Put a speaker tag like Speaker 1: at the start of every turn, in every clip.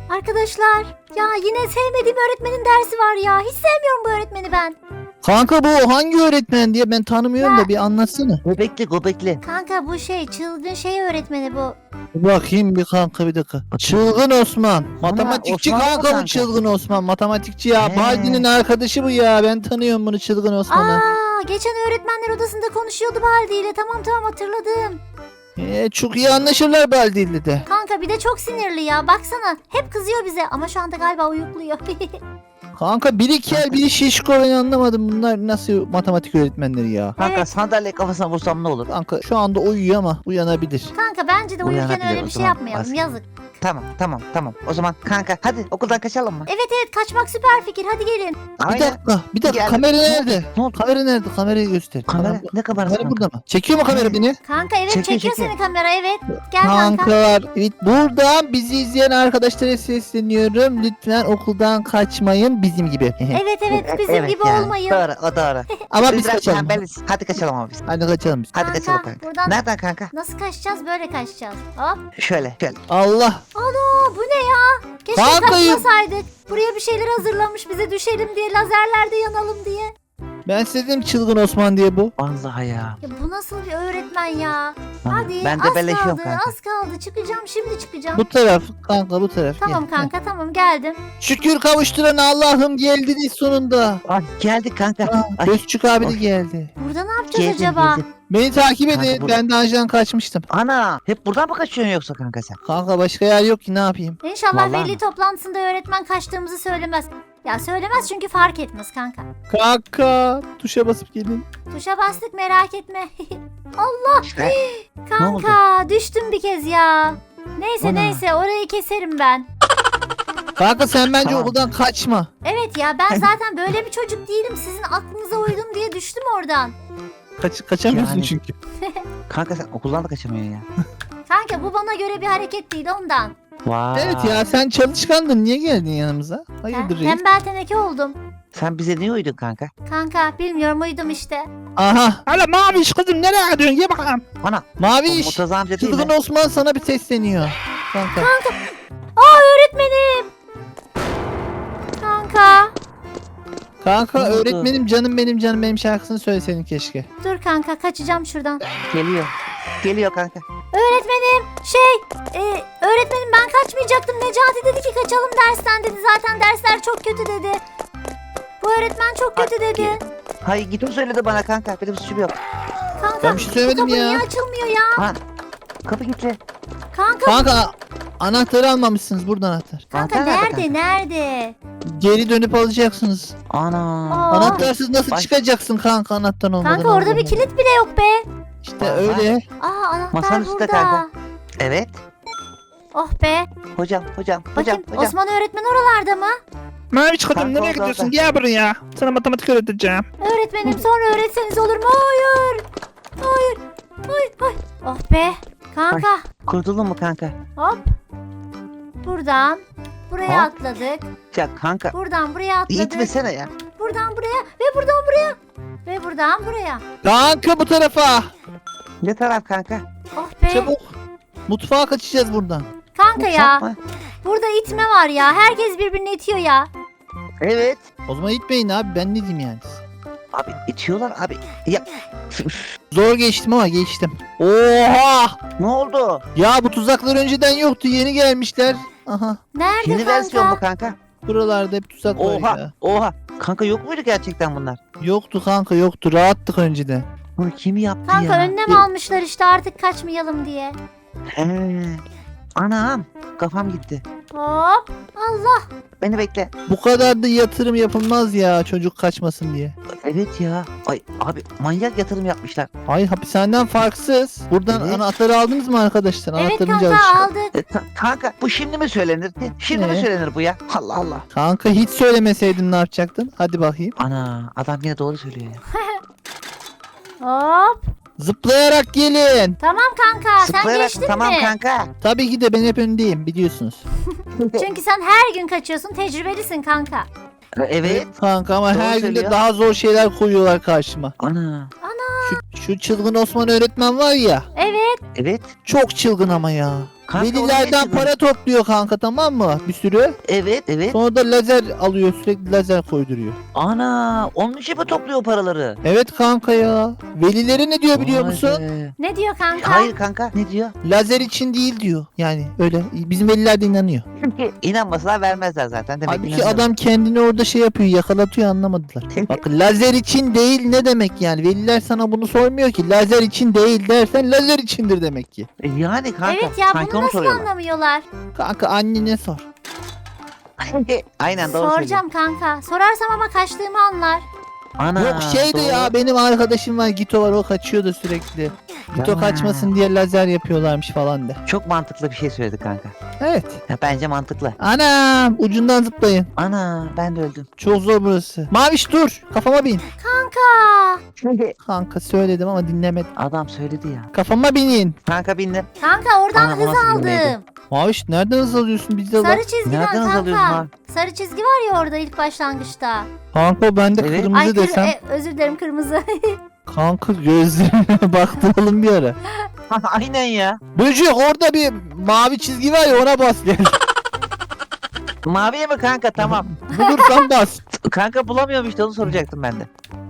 Speaker 1: Arkadaşlar ya yine sevmediğim öğretmenin dersi var ya. Hiç sevmiyorum bu öğretmeni ben.
Speaker 2: Kanka bu hangi öğretmen diye ben tanımıyorum da bir anlatsana.
Speaker 3: Göbekli.
Speaker 1: Kanka bu çılgın öğretmeni bu.
Speaker 2: Bir bakayım bir kanka bir dakika. Çılgın Osman. Matematikçi
Speaker 3: Osman mı
Speaker 2: kanka bu
Speaker 3: kanka?
Speaker 2: Çılgın Osman. Matematikçi ya.
Speaker 3: He.
Speaker 2: Baldi'nin arkadaşı bu ya. Ben tanıyorum bunu Çılgın Osman'ı.
Speaker 1: Aa, geçen öğretmenler odasında konuşuyordu Baldi ile. Tamam hatırladım.
Speaker 2: Çok iyi anlaşırlar Baldi ile de.
Speaker 1: Kanka bir de çok sinirli ya. Baksana hep kızıyor bize ama şu anda galiba uyukluyor.
Speaker 2: Kanka biri kel biri şişko ben anlamadım. Bunlar nasıl matematik öğretmenleri ya.
Speaker 3: Kanka
Speaker 1: Evet.
Speaker 3: sandalye kafasına vursam ne olur?
Speaker 2: Kanka şu anda uyuyor ama uyanabilir.
Speaker 1: Kanka bence de uyurken
Speaker 3: Uyanabilir
Speaker 1: öyle
Speaker 3: o
Speaker 1: bir şey
Speaker 3: zaman.
Speaker 1: yapmayalım.
Speaker 3: Bas.
Speaker 1: Yazık.
Speaker 3: Tamam. O zaman kanka hadi okuldan kaçalım mı?
Speaker 1: Evet kaçmak süper fikir. Hadi gelin.
Speaker 2: Bir dakika
Speaker 3: Geldim.
Speaker 2: kamera nerede?
Speaker 3: Ne oldu?
Speaker 2: Kamera nerede? Kamerayı göster.
Speaker 3: Kamera ne kamerası
Speaker 2: Kamera
Speaker 3: kanka?
Speaker 2: burada mı? Çekiyor mu kamera beni?
Speaker 1: Kanka evet
Speaker 3: Çekiyor.
Speaker 1: çekiyor seni kamera evet. Gel kanka.
Speaker 2: Kankalar, evet buradan bizi izleyen arkadaşlara sesleniyorum. Lütfen okuldan kaçmayın bizim gibi.
Speaker 1: Evet bizim gibi
Speaker 3: yani.
Speaker 1: olmayın.
Speaker 3: Doğru.
Speaker 2: Ama biz
Speaker 3: biraz
Speaker 2: kaçalım.
Speaker 3: tembeliz. Hadi kaçalım ama biz.
Speaker 2: Hadi kaçalım biz.
Speaker 3: Hadi
Speaker 1: Kanka,
Speaker 3: kaçalım kanka.
Speaker 1: buradan-
Speaker 3: Nereden kanka?
Speaker 1: Nasıl kaçacağız? Böyle kaçacağız. Hop.
Speaker 3: Şöyle.
Speaker 2: Allah.
Speaker 1: Ana bu ne ya? Keşke
Speaker 2: Kanka,
Speaker 1: kaçmasaydık. Buraya bir şeyler hazırlamış bize düşelim diye. Lazerlerde yanalım diye.
Speaker 2: Ben size dedim Çılgın Osman diye bu.
Speaker 3: Vallahi ya.
Speaker 1: Ya bu nasıl bir öğretmen ya? Hadi
Speaker 3: Ben de
Speaker 1: az
Speaker 3: beleşiyorum
Speaker 1: kaldı
Speaker 3: kanka.
Speaker 1: az kaldı. Çıkacağım şimdi çıkacağım.
Speaker 2: Bu taraf kanka bu taraf.
Speaker 1: Tamam
Speaker 2: Gel,
Speaker 1: kanka tamam geldim.
Speaker 2: gel. Şükür kavuşturan Allah'ım geldiniz sonunda.
Speaker 3: Ay, geldik kanka. Ay,
Speaker 2: Gözçük abi de
Speaker 3: Of.
Speaker 2: geldi.
Speaker 1: Burada ne yapacağız
Speaker 3: geldim,
Speaker 1: acaba?
Speaker 3: geldim.
Speaker 2: Beni takip
Speaker 3: Kanka,
Speaker 2: edin.
Speaker 3: burada-
Speaker 2: Ben daha önceden kaçmıştım.
Speaker 3: Ana hep buradan mı kaçıyorsun yoksa kanka sen?
Speaker 2: Kanka başka yer yok ki ne yapayım?
Speaker 1: İnşallah
Speaker 3: Vallahi
Speaker 1: veli
Speaker 3: mi?
Speaker 1: toplantısında öğretmen kaçtığımızı söylemez. Ya söylemez çünkü fark etmez kanka.
Speaker 2: Kanka tuşa basıp gelin.
Speaker 1: Tuşa bastık merak etme. Allah
Speaker 3: İşte.
Speaker 1: kanka düştüm bir kez ya.
Speaker 3: Ana.
Speaker 1: Neyse orayı keserim ben.
Speaker 2: Kanka sen bence
Speaker 3: Tamam.
Speaker 2: okuldan kaçma.
Speaker 1: Evet ya ben zaten böyle bir çocuk değilim. Sizin aklınıza uydum diye düştüm oradan.
Speaker 2: Kaçamıyorsun
Speaker 3: Yani.
Speaker 2: çünkü.
Speaker 3: Kanka sen okuldan da kaçamıyorsun ya.
Speaker 1: Kanka bu bana göre bir hareket değil ondan.
Speaker 3: Vay.
Speaker 2: Evet ya sen çalışkandın niye geldin yanımıza?
Speaker 1: Ben
Speaker 2: Hayırdır reis?
Speaker 1: tembel teneke oldum.
Speaker 3: Sen bize niye uydun kanka?
Speaker 1: Kanka bilmiyorum uydum işte.
Speaker 2: Aha. Hala Maviş kızım nereye gidiyorsun? Gel bakalım.
Speaker 3: Ana. O
Speaker 2: Maviş.
Speaker 3: Murtaza amca değil
Speaker 2: Çılgın
Speaker 3: mi?
Speaker 2: Osman sana bir sesleniyor. Kanka.
Speaker 1: Aa öğretmenim. Kanka.
Speaker 2: Kanka
Speaker 3: Ne oldu?
Speaker 2: öğretmenim canım benim şarkısını söyleseydin keşke.
Speaker 1: Dur kanka kaçacağım şuradan.
Speaker 3: Geliyor kanka.
Speaker 1: Öğretmenim öğretmenim ben kaçmayacaktım. Necati dedi ki kaçalım dersten dedi. Zaten dersler çok kötü dedi. Bu öğretmen çok kötü dedi.
Speaker 3: Hayır git o söyledi bana kanka. Benim suçum yok.
Speaker 1: Kanka
Speaker 2: Ben bir şey söylemedim
Speaker 1: bu kapı
Speaker 2: ya.
Speaker 1: niye açılmıyor ya?
Speaker 3: Ha. Kapı gitti.
Speaker 1: Kanka
Speaker 2: Kanka anahtarı almamışsınız burada anahtar.
Speaker 1: kanka
Speaker 3: Anahtar
Speaker 1: nerede nerede?
Speaker 2: Geri dönüp alacaksınız.
Speaker 3: Ana.
Speaker 1: Aa.
Speaker 2: Anahtarsız nasıl
Speaker 3: Baş-
Speaker 2: çıkacaksın kanka anahtar olmadan?
Speaker 1: Kanka orada bir
Speaker 2: Allah.
Speaker 1: kilit bile yok be.
Speaker 2: İşte
Speaker 3: Vallahi.
Speaker 2: öyle.
Speaker 1: Aa anahtar
Speaker 3: Masanın üstte
Speaker 1: burada.
Speaker 3: kanka. Evet.
Speaker 1: Oh be.
Speaker 3: Hocam.
Speaker 1: Bakayım Osman öğretmen oralarda mı?
Speaker 2: Maviş
Speaker 3: Kanka nereye orada, gidiyorsun? orada.
Speaker 2: Gel buraya. Sana matematik öğreteceğim.
Speaker 1: Öğretmenim sonra öğretseniz olur mu? Hayır. Hayır. Oh be. Kanka.
Speaker 3: Kurtuldun mu kanka?
Speaker 1: Hop. Buradan buraya
Speaker 3: Hop.
Speaker 1: atladık.
Speaker 3: Ya kanka.
Speaker 1: Buradan buraya atladık.
Speaker 3: İtmesene ya.
Speaker 1: Buradan buraya ve buradan buraya. Ve buradan buraya.
Speaker 2: Kanka bu tarafa.
Speaker 3: Ne taraf kanka?
Speaker 1: Oh be.
Speaker 2: Çabuk. Mutfağa kaçacağız buradan.
Speaker 1: Kanka ya.
Speaker 3: Mutfak mı?
Speaker 1: Burada itme var ya. Herkes birbirini itiyor ya.
Speaker 3: Evet.
Speaker 2: O zaman itmeyin abi ben ne diyeyim yani.
Speaker 3: Abi itiyorlar abi. Ya
Speaker 2: Zor geçtim ama geçtim. Oha!
Speaker 3: ne oldu?
Speaker 2: Ya bu tuzaklar önceden yoktu yeni gelmişler. Aha
Speaker 1: Nerede
Speaker 3: Yeni versiyon
Speaker 1: kanka?
Speaker 3: bu kanka.
Speaker 2: buralarda hep tuzak var ya.
Speaker 3: Oha. Kanka yok muydu gerçekten bunlar?
Speaker 2: Yoktu kanka yoktu rahattık önceden.
Speaker 3: Bunu kim yaptı
Speaker 1: Kanka
Speaker 3: ya?
Speaker 1: önlem almışlar işte artık kaçmayalım diye.
Speaker 3: He. Anam. Kafam gitti.
Speaker 1: Hop. Allah.
Speaker 3: Beni bekle.
Speaker 2: Bu kadar da yatırım yapılmaz ya çocuk kaçmasın diye.
Speaker 3: Evet ya. Ay abi manyak yatırım yapmışlar.
Speaker 2: Hayır hapishaneden farksız. Buradan
Speaker 3: Evet.
Speaker 2: anahtarı aldınız mı arkadaşlar?
Speaker 1: Evet
Speaker 2: Anahtarını
Speaker 1: kanka
Speaker 2: çalışıyor.
Speaker 1: aldık.
Speaker 3: Kanka bu şimdi mi söylenir? Şimdi mi
Speaker 2: Ne?
Speaker 3: söylenir bu ya? Allah Allah.
Speaker 2: Kanka hiç söylemeseydin ne yapacaktın? Hadi bakayım.
Speaker 3: Ana adam yine doğru söylüyor ya.
Speaker 1: Hop.
Speaker 2: Zıplayarak gelin.
Speaker 1: Tamam kanka sen
Speaker 3: Zıplayarak
Speaker 1: geçtin
Speaker 3: tamam
Speaker 1: mi?
Speaker 3: kanka.
Speaker 2: Tabii ki de ben hep öndeyim biliyorsunuz.
Speaker 1: Çünkü sen her gün kaçıyorsun tecrübelisin kanka.
Speaker 3: Evet.
Speaker 2: Kanka ama
Speaker 3: Doğru
Speaker 2: her gün de
Speaker 3: söylüyor.
Speaker 2: daha zor şeyler koyuyorlar karşıma.
Speaker 3: Ana.
Speaker 2: Şu çılgın Osman öğretmen var ya.
Speaker 1: Evet.
Speaker 3: Evet.
Speaker 2: Çok çılgın ama ya.
Speaker 3: Kanka, onu
Speaker 2: Velilerden
Speaker 3: yaşadım.
Speaker 2: para topluyor kanka, tamam mı? Bir sürü.
Speaker 3: Evet.
Speaker 2: Sonra da lazer alıyor, sürekli lazer koyduruyor.
Speaker 3: Ana onun için mi topluyor paraları?
Speaker 2: Evet kanka ya. Velileri ne diyor biliyor
Speaker 3: Vay
Speaker 2: musun?
Speaker 3: be.
Speaker 1: Ne diyor kanka?
Speaker 3: Hayır kanka ne diyor?
Speaker 2: Lazer için değil diyor. Yani öyle. Bizim veliler de inanıyor.
Speaker 3: Çünkü inanmasalar vermezler zaten. Demek
Speaker 2: Halbuki
Speaker 3: inanıyorlar.
Speaker 2: adam kendini orada şey yapıyor, yakalatıyor, anlamadılar. Bak, lazer için değil ne demek yani? Veliler sana bunu sormuyor ki. Lazer için değil dersen lazer içindir demek ki.
Speaker 3: Yani kanka.
Speaker 1: Evet ya,
Speaker 3: sanki
Speaker 1: bunu
Speaker 3: onu
Speaker 1: nasıl
Speaker 3: soruyorlar.
Speaker 1: anlamıyorlar?
Speaker 2: Kanka annene sor.
Speaker 3: Aynen doğru söylüyor.
Speaker 1: Soracağım kanka. Sorarsam ama kaçtığımı anlar.
Speaker 3: Ana,
Speaker 2: Yok şeydi
Speaker 3: doğru.
Speaker 2: ya, benim arkadaşım var, Gito var, o kaçıyordu sürekli. Gito
Speaker 3: Ya.
Speaker 2: kaçmasın diye lazer yapıyorlarmış falan de.
Speaker 3: Çok mantıklı bir şey söyledi kanka.
Speaker 2: Evet.
Speaker 3: Ya bence mantıklı.
Speaker 2: Anam, ucundan zıplayın.
Speaker 3: Ana ben de öldüm.
Speaker 2: Çok zor burası. Maviş dur, kafama bin.
Speaker 1: Kanka.
Speaker 2: Kanka söyledim ama dinlemedim.
Speaker 3: Adam söyledi ya.
Speaker 2: Kafama binin.
Speaker 3: Kanka bindim.
Speaker 1: Kanka oradan
Speaker 3: Ana, bu
Speaker 1: hız
Speaker 3: nasıl bilmeydi?
Speaker 1: aldım.
Speaker 2: Maviş nereden hız alıyorsun bizde bak.
Speaker 1: Sarı çizgiden
Speaker 3: Nereden hız alıyorsun
Speaker 1: kanka.
Speaker 3: lan?
Speaker 1: Sarı çizgi var ya orada ilk başlangıçta.
Speaker 2: Kanka ben de
Speaker 3: Evet.
Speaker 2: kırmızı desem.
Speaker 1: Özür dilerim, kırmızı.
Speaker 2: Kanka gözlerine baktıralım bir ara.
Speaker 3: Aynen ya.
Speaker 2: Böcek, orada bir mavi çizgi var ya, ona bas gel.
Speaker 3: Maviye mi kanka tamam.
Speaker 2: Bulursan bas.
Speaker 3: Kanka bulamıyorum işte onu soracaktım ben de.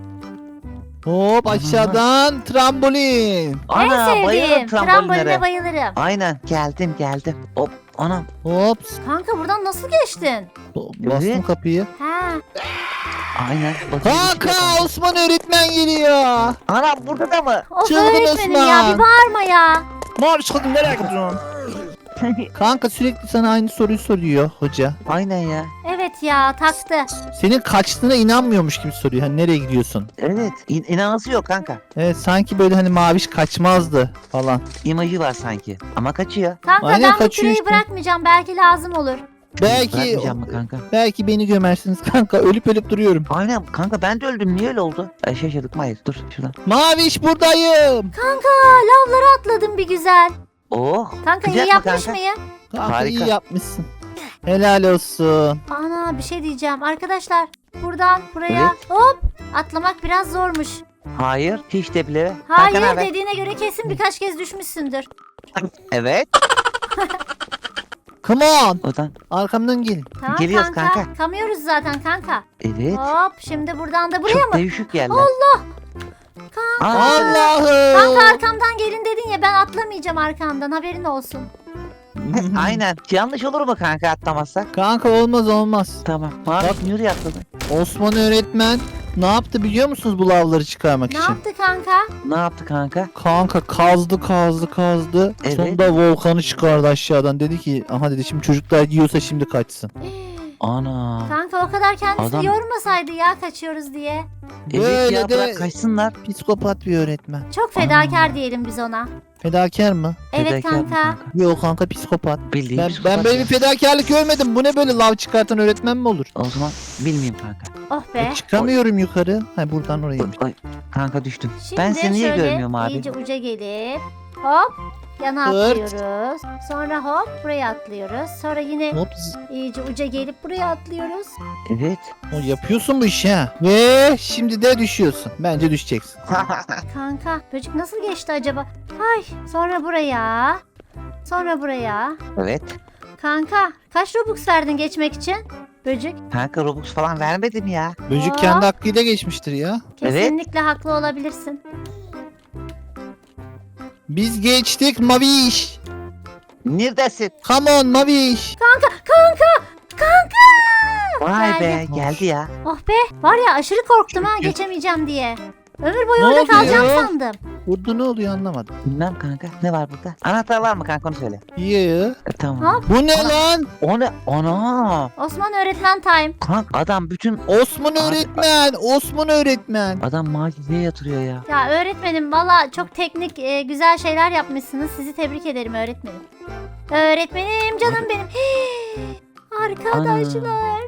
Speaker 2: Hop aşağıdan trambolin.
Speaker 1: En
Speaker 3: Ana
Speaker 1: sevdiğim.
Speaker 3: bayılırım
Speaker 1: Tramboline
Speaker 3: trambolinlere.
Speaker 1: bayılırım.
Speaker 3: Aynen geldim. Hop anam.
Speaker 2: Hop.
Speaker 1: Kanka buradan nasıl geçtin?
Speaker 2: Bastım
Speaker 3: Evet.
Speaker 2: kapıyı.
Speaker 1: Ha.
Speaker 3: Aynen. Bakayım bir şey
Speaker 2: Kanka
Speaker 3: yok.
Speaker 2: Osman öğretmen geliyor.
Speaker 3: Anam burada da mı?
Speaker 1: Of
Speaker 2: Çılgın
Speaker 1: öğretmenim ya,
Speaker 2: Osman.
Speaker 1: bir bağırma ya.
Speaker 2: Maviş kadın nereye gidiyorsun? Kanka sürekli sana aynı soruyu soruyor hoca.
Speaker 3: Aynen ya.
Speaker 1: Evet ya, taktı.
Speaker 2: Senin kaçtığına inanmıyormuş gibi soruyor. Hani nereye gidiyorsun?
Speaker 3: Evet. İnanası yok kanka.
Speaker 2: Evet, sanki böyle hani Maviş kaçmazdı falan.
Speaker 3: İmajı var sanki. Ama kaçıyor.
Speaker 1: Kanka
Speaker 2: Aynen,
Speaker 1: ben bu
Speaker 2: kaçıyor
Speaker 1: küreği
Speaker 2: işte.
Speaker 1: bırakmayacağım, belki lazım olur.
Speaker 2: Belki
Speaker 3: Bırakmayacağım mı kanka?
Speaker 2: belki beni gömersiniz kanka. Ölüp duruyorum.
Speaker 3: Aynen kanka ben de öldüm. Niye öyle oldu? Şaşırdık mı? Hayır dur şuradan.
Speaker 2: Maviş buradayım.
Speaker 1: Kanka lavlara atladım bir güzel.
Speaker 3: Oh.
Speaker 1: Kanka
Speaker 3: Sıcak
Speaker 1: iyi
Speaker 3: mı
Speaker 1: yapmış
Speaker 3: kanka?
Speaker 1: mıyım?
Speaker 2: Kanka
Speaker 3: Harika.
Speaker 2: iyi yapmışsın. Helal olsun.
Speaker 1: Ana bir şey diyeceğim arkadaşlar. Buradan buraya hop atlamak biraz zormuş.
Speaker 3: Hayır. Hiç de bile.
Speaker 1: Hayır,
Speaker 3: Kanka, naber?
Speaker 1: dediğine göre kesin birkaç kez düşmüşsündür.
Speaker 3: Evet.
Speaker 2: Come on.
Speaker 3: Odan.
Speaker 2: Arkamdan gelin.
Speaker 1: Tamam
Speaker 3: Geliyoruz kanka.
Speaker 1: Kamıyoruz zaten kanka.
Speaker 3: Evet.
Speaker 1: Hop şimdi buradan da buraya
Speaker 3: Çok
Speaker 1: mı?
Speaker 3: değişik yerler.
Speaker 1: Allah.
Speaker 3: Aa,
Speaker 2: Allah'ım.
Speaker 1: Kanka arkamdan gelin dedin ya, ben atlamayacağım arkandan, haberin olsun.
Speaker 3: Aynen. Yanlış olur mu kanka atlamazsak?
Speaker 2: Kanka olmaz.
Speaker 3: Tamam. Mavi
Speaker 2: Bak.
Speaker 3: yürü atladı.
Speaker 2: Osman öğretmen ne yaptı biliyor musunuz bu lavları çıkarmak
Speaker 1: Ne
Speaker 2: için?
Speaker 1: yaptı kanka?
Speaker 3: Ne yaptı kanka?
Speaker 2: Kanka kazdı.
Speaker 3: Evet.
Speaker 2: Sonunda volkanı çıkardı aşağıdan. Dedi ki aha dedi, şimdi çocuklar yiyorsa şimdi kaçsın.
Speaker 3: Ana.
Speaker 1: Kanka o kadar kendisini
Speaker 3: Adam-
Speaker 1: yormasaydı ya, kaçıyoruz diye.
Speaker 3: Evet
Speaker 2: Böyle
Speaker 3: ya
Speaker 2: de-
Speaker 3: bırak kaçsınlar.
Speaker 2: Psikopat bir öğretmen.
Speaker 1: Çok fedakar diyelim biz ona.
Speaker 2: Fedakar mı?
Speaker 1: Evet
Speaker 3: Fedakar mı
Speaker 1: kanka.
Speaker 2: Yok kanka, psikopat.
Speaker 3: Bildiğin
Speaker 2: Ben
Speaker 3: psikopat
Speaker 2: böyle
Speaker 3: ya.
Speaker 2: bir fedakarlık görmedim. Bu ne böyle, lav çıkartan öğretmen mi olur?
Speaker 3: O zaman bilmeyeyim kanka.
Speaker 1: Oh be.
Speaker 2: Çıkamıyorum yukarı. Ha buradan oraya.
Speaker 3: Ay, kanka düştüm.
Speaker 1: Şimdi
Speaker 3: Ben seni niye
Speaker 1: şöyle
Speaker 3: görmüyorum abi?
Speaker 1: iyice uca gelip hop yana
Speaker 2: Hırt.
Speaker 1: atlıyoruz. Sonra hop buraya atlıyoruz. Sonra yine
Speaker 2: Hop.
Speaker 1: iyice uca gelip buraya atlıyoruz.
Speaker 3: Evet.
Speaker 2: O yapıyorsun bu işi ha. Ve şimdi de düşüyorsun. Bence düşeceksin.
Speaker 1: Kanka böcek nasıl geçti acaba? Ay sonra buraya. Sonra buraya.
Speaker 3: Evet.
Speaker 1: Kanka kaç Robux verdin geçmek için? Böcek
Speaker 3: Kanka Robux falan vermedim ya.
Speaker 2: Böcek
Speaker 1: Aa.
Speaker 2: kendi hakkıyla geçmiştir ya.
Speaker 3: Evet.
Speaker 1: kesinlikle haklı olabilirsin.
Speaker 2: Biz geçtik Maviş.
Speaker 3: Neredesin?
Speaker 2: Come on Maviş.
Speaker 1: Kanka.
Speaker 3: Vay be
Speaker 1: Geldim.
Speaker 3: geldi ya.
Speaker 1: Oh be var ya, aşırı korktum ha,
Speaker 3: Çünkü-
Speaker 1: geçemeyeceğim diye. Ömür boyu
Speaker 2: Ne
Speaker 1: orada
Speaker 2: oldu
Speaker 1: kalacağım
Speaker 2: ya?
Speaker 1: sandım.
Speaker 2: Burada ne oluyor anlamadım.
Speaker 3: Bilmem kanka. Ne var burada? Anahtar var mı kanka onu söyle.
Speaker 2: Yeah.
Speaker 3: Tamam.
Speaker 1: Hop.
Speaker 2: Bu ne
Speaker 3: Ana.
Speaker 2: lan?
Speaker 3: O ne? Ana.
Speaker 1: Osman öğretmen time.
Speaker 3: Kanka adam bütün
Speaker 2: Osman öğretmen. Osman öğretmen.
Speaker 3: adam macizeye yatırıyor ya.
Speaker 1: Ya öğretmenim valla çok teknik güzel şeyler yapmışsınız. Sizi tebrik ederim öğretmenim. Öğretmenim canım benim. Arkadaşlar.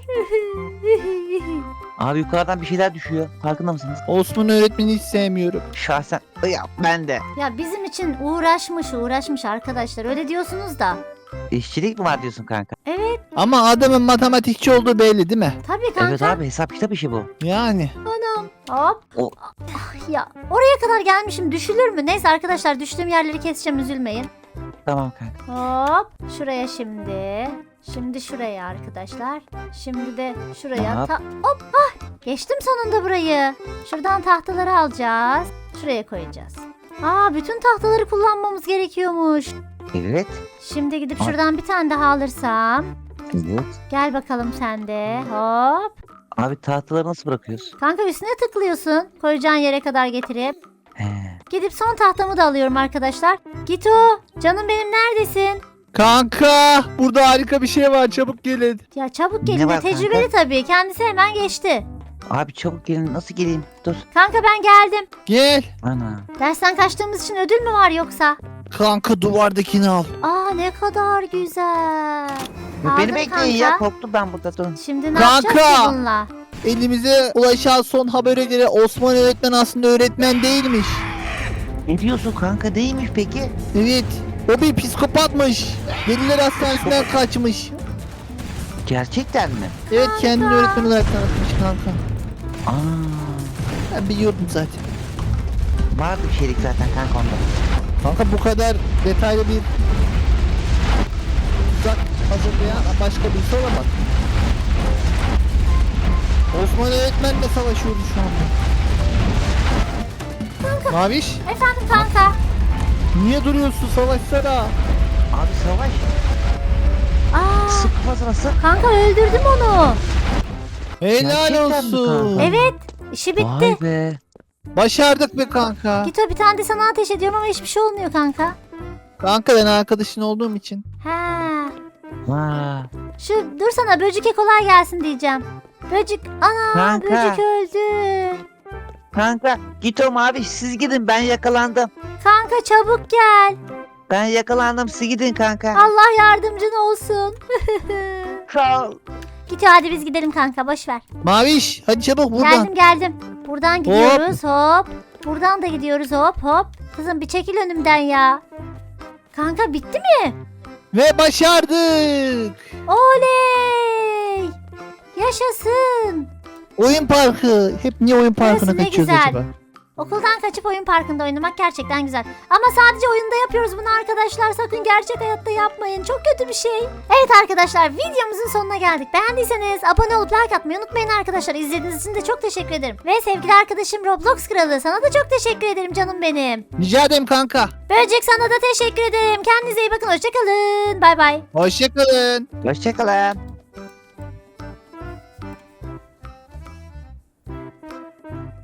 Speaker 3: Abi yukarıdan bir şeyler düşüyor. Farkında mısınız?
Speaker 2: Osman öğretmeni hiç sevmiyorum.
Speaker 3: Şahsen ya ben de.
Speaker 1: Ya bizim için uğraşmış arkadaşlar, öyle diyorsunuz da.
Speaker 3: İşçilik mi var diyorsun kanka?
Speaker 1: Evet
Speaker 2: Ama adamın matematikçi olduğu belli değil mi?
Speaker 1: tabii kanka.
Speaker 3: Evet abi hesap kitap işi bu.
Speaker 2: Yani.
Speaker 1: Anam. Hop.
Speaker 3: O-
Speaker 1: Ah ya oraya kadar gelmişim, düşülür mü? Neyse arkadaşlar, düştüğüm yerleri keseceğim, üzülmeyin.
Speaker 3: Tamam kanka.
Speaker 1: Hop şuraya şimdi. Şimdi şuraya arkadaşlar. Şimdi de şuraya.
Speaker 3: Hop.
Speaker 1: Hop geçtim sonunda burayı. Şuradan tahtaları alacağız. Şuraya koyacağız. Bütün tahtaları kullanmamız gerekiyormuş.
Speaker 3: Evet.
Speaker 1: Şimdi gidip
Speaker 3: Hop.
Speaker 1: şuradan bir tane daha alırsam.
Speaker 3: Evet.
Speaker 1: Gel bakalım sen de. Hop.
Speaker 3: Abi tahtaları nasıl bırakıyoruz?
Speaker 1: Kanka üstüne tıklıyorsun. Koyacağın yere kadar getirip.
Speaker 3: He.
Speaker 1: Gidip son tahtamı da alıyorum arkadaşlar. Gito canım benim neredesin?
Speaker 2: Kanka burada harika bir şey var, çabuk gelin.
Speaker 1: Ya çabuk
Speaker 3: Ne
Speaker 1: gelin de
Speaker 3: var
Speaker 1: tecrübeli tabii. Kendisi hemen geçti.
Speaker 3: Abi çabuk gelin, nasıl geleyim? Dur.
Speaker 1: Kanka ben geldim.
Speaker 2: Gel.
Speaker 3: Ana.
Speaker 1: Dersten kaçtığımız için ödül mü var yoksa?
Speaker 2: Kanka duvardakini al.
Speaker 1: Ne kadar güzel. Aldım
Speaker 3: Beni bekleyin ya,
Speaker 1: kanka.
Speaker 3: korktum ben burada, durun.
Speaker 1: Şimdi ne
Speaker 2: Kanka.
Speaker 1: yapacağız ki bununla?
Speaker 2: Elimize ulaşan son habere göre Osman öğretmen aslında öğretmen değilmiş.
Speaker 3: Ne diyorsun kanka, değilmiş peki?
Speaker 2: Evet. O bir psikopatmış. Deliler hastanesinden kaçmış.
Speaker 3: Gerçekten mi?
Speaker 2: Evet, kendini öğretmen olarak tanıtmış kanka.
Speaker 3: Aa,
Speaker 2: Ben biliyordum zaten.
Speaker 3: vardı bir şeylik zaten kanka onda.
Speaker 2: Kanka bu kadar detaylı bir tuzak hazırlayan başka birisi olamaz. Osman öğretmenle savaşıyoruz şu anda. Maviş,
Speaker 1: Efendim kanka.
Speaker 2: niye duruyorsun, savaşsana?
Speaker 3: Abi savaş. Sık kafasına sık.
Speaker 1: Kanka öldürdüm onu.
Speaker 2: Helal
Speaker 3: Gerçekten mi
Speaker 2: olsun.
Speaker 3: kanka?
Speaker 1: Evet. işi bitti.
Speaker 3: Vay be.
Speaker 2: Başardık be kanka.
Speaker 1: Gito bir tane de sana ateş ediyorum ama hiçbir şey olmuyor kanka.
Speaker 2: Kanka ben arkadaşın olduğum için.
Speaker 3: Vay.
Speaker 1: Dur sana böcüke kolay gelsin diyeceğim. Böcük
Speaker 3: Kanka.
Speaker 1: böcük öldü.
Speaker 3: Kanka Gitom abi, siz gidin, ben yakalandım.
Speaker 1: Kanka çabuk gel.
Speaker 3: Ben yakalandım, siz gidin kanka.
Speaker 1: Allah yardımcın olsun.
Speaker 3: Sağ ol.
Speaker 1: Gito hadi biz gidelim kanka boş ver.
Speaker 2: Maviş, hadi çabuk buradan.
Speaker 1: Geldim. Buradan gidiyoruz hop. Buradan da gidiyoruz hop hop. Kızım bir çekil önümden ya. Kanka bitti mi?
Speaker 2: Ve başardık.
Speaker 1: Oley! Yaşasın.
Speaker 2: Oyun parkı. Hep niye oyun parkına
Speaker 1: Burası ne
Speaker 2: kaçıyoruz
Speaker 1: güzel.
Speaker 2: acaba?
Speaker 1: Okuldan kaçıp oyun parkında oynamak gerçekten güzel. Ama sadece oyunda yapıyoruz bunu arkadaşlar. Sakın gerçek hayatta yapmayın. Çok kötü bir şey. Evet arkadaşlar videomuzun sonuna geldik. Beğendiyseniz abone olup like atmayı unutmayın arkadaşlar. İzlediğiniz için de çok teşekkür ederim. Ve sevgili arkadaşım Roblox Kralı, sana da çok teşekkür ederim canım benim.
Speaker 2: Rica ederim kanka.
Speaker 1: Böcek sana da teşekkür ederim. Kendinize iyi bakın. Hoşçakalın. Bay bay.
Speaker 2: Hoşçakalın.
Speaker 3: Hoşçakalın.